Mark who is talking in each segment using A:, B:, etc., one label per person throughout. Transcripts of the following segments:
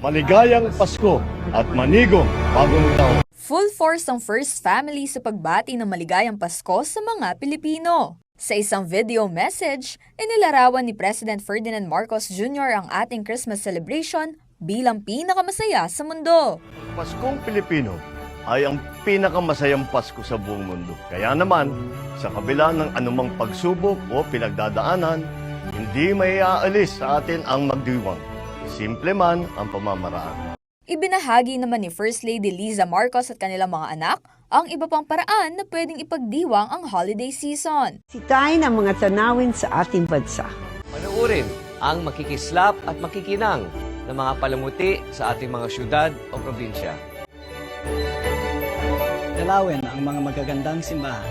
A: Maligayang Pasko at manigong bagong taon.
B: Full force ang First Family sa pagbati ng maligayang Pasko sa mga Pilipino. Sa isang video message, inilarawan ni President Ferdinand Marcos Jr. ang ating Christmas celebration bilang pinakamasaya sa mundo.
A: Paskong Pilipino ay ang pinakamasayang Pasko sa buong mundo. Kaya naman, sa kabila ng anumang pagsubok o pinagdadaanan, hindi may aalis sa atin ang magdiwang. Simple man ang pamamaraan.
B: Ibinahagi naman ni First Lady Liza Marcos at kanilang mga anak ang iba pang paraan na pwedeng ipagdiwang ang holiday season.
C: Sitayin ang mga tanawin sa ating bansa.
D: Panuurin ang makikislap at makikinang ng mga palamuti sa ating mga syudad o probinsya.
E: Dalawin ang mga magagandang simbahan.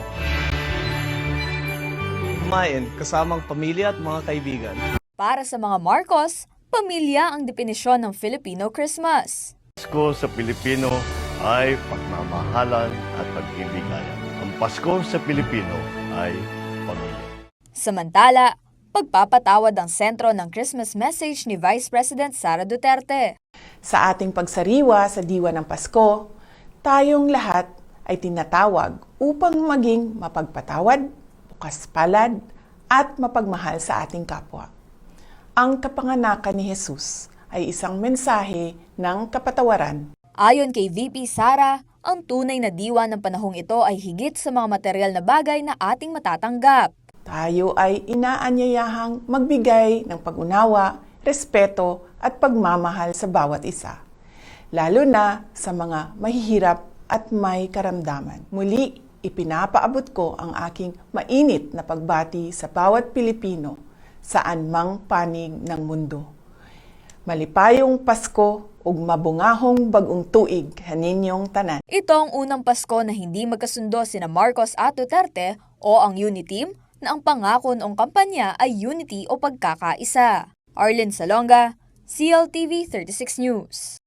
F: Kumain kasamang pamilya at mga kaibigan.
B: Para sa mga Marcos, pamilya ang definisyon ng Filipino Christmas.
A: Pasko sa Pilipino ay pagmamahalan at pag-ibigayan. Ang Pasko sa Pilipino ay pamilya.
B: Samantala, pagpapatawad ang sentro ng Christmas message ni Vice President Sara Duterte.
G: Sa ating pagsariwa sa diwa ng Pasko, tayong lahat ay tinatawag upang maging mapagpatawad, bukas palad, at mapagmahal sa ating kapwa. Ang kapanganakan ni Jesus ay isang mensahe ng kapatawaran.
B: Ayon kay VP Sara, ang tunay na diwa ng panahong ito ay higit sa mga material na bagay na ating matatanggap.
G: Tayo ay inaanyayahang magbigay ng pag-unawa, respeto at pagmamahal sa bawat isa, lalo na sa mga mahihirap at may karamdaman. Muli, ipinapaabot ko ang aking mainit na pagbati sa bawat Pilipino saan mang panig ng mundo. Malipayong Pasko ug mabungahong bagong tuig kaninyong tanan.
B: Ito ang unang Pasko na hindi magkasundo sina Marcos at Duterte o ang Uniteam na ang pangako noong kampanya ay unity o pagkakaisa. Arlen Salonga, CLTV 36 News.